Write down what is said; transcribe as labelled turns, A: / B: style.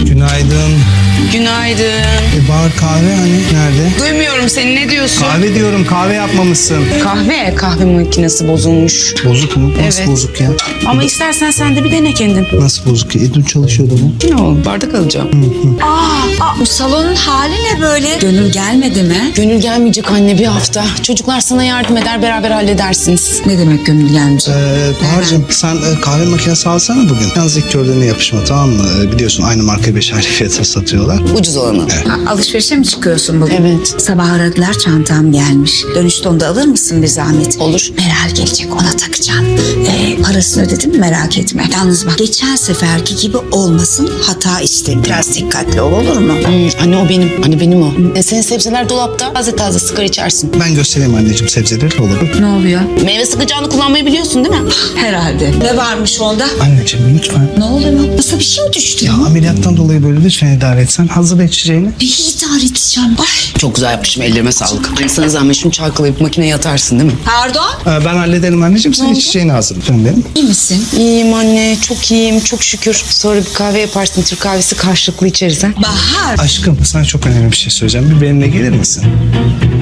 A: Günaydın.
B: Günaydın.
A: Bahar kahve hani nerede?
B: Duymuyorum seni, ne diyorsun?
A: Kahve diyorum, kahve yapmamışsın.
B: Kahve makinesi bozulmuş.
A: Bozuk mu? Nasıl
B: Evet.
A: bozuk ya?
B: Ama istersen sen de bir dene kendin.
A: Nasıl bozuk ya? Dün çalışıyordu bu.
B: Yok, bardak alacağım.
C: Bu salonun hali ne böyle? Gönül gelmedi mi?
B: Gönül gelmeyecek anne bir hafta. Çocuklar sana yardım eder, beraber halledersiniz.
C: Ne demek gönül gelmeyecek?
A: Bahar'cığım sen kahve makinesi alsana bugün. Yalnız ilk gördüğüne yapışma, tamam mı? Biliyorsun aynı markayı 5 ayrı fiyata satıyorlar.
B: Ucuz olanı.
C: Alışverişe mi çıkıyorsun bugün?
B: Evet.
C: Sabah aradılar, çantam gelmiş. Dönüşte onu da alır mısın bir zahmet?
B: Olur.
C: Meral gelecek, ona takacaksın. Parasını ödedim, merak etme. Yalnız bak, geçen seferki gibi olmasın, hata isterim. Biraz dikkatli ol, olur mu?
B: Anne o benim. Anne benim o. Senin sebzeler dolapta. Taze taze sıkar içersin.
A: Ben göstereyim anneciğim sebzeleri, olur.
C: Ne oluyor?
B: Meyve sıkacağını kullanmayı biliyorsun değil mi?
C: Herhalde. Ne varmış onda?
A: Anneciğim lütfen.
C: Ne oluyor? Nasıl bir şey mi düştü?
A: Ya ameliyattan dolayı böyle lütfen idare etsen. Hazır içeceğini.
C: İyi idare edeceğim. Ay.
B: Çok güzel yapmışım, ellerime sağlık. Anne sana zahmet şunu çalkalayıp makineye atarsın değil mi?
C: Pardon?
A: Ben hallederim anneciğim. Sen içeceğini hazırla. Efendim benim.
C: İyi misin?
B: İyiyim anne, çok iyiyim, çok şükür. Sonra bir kahve yaparsın, Türk kahvesi karşılıklı içeriz ha.
C: Bahar.
A: Aşkım sana çok önemli bir şey söyleyeceğim. Bir benimle gelir misin?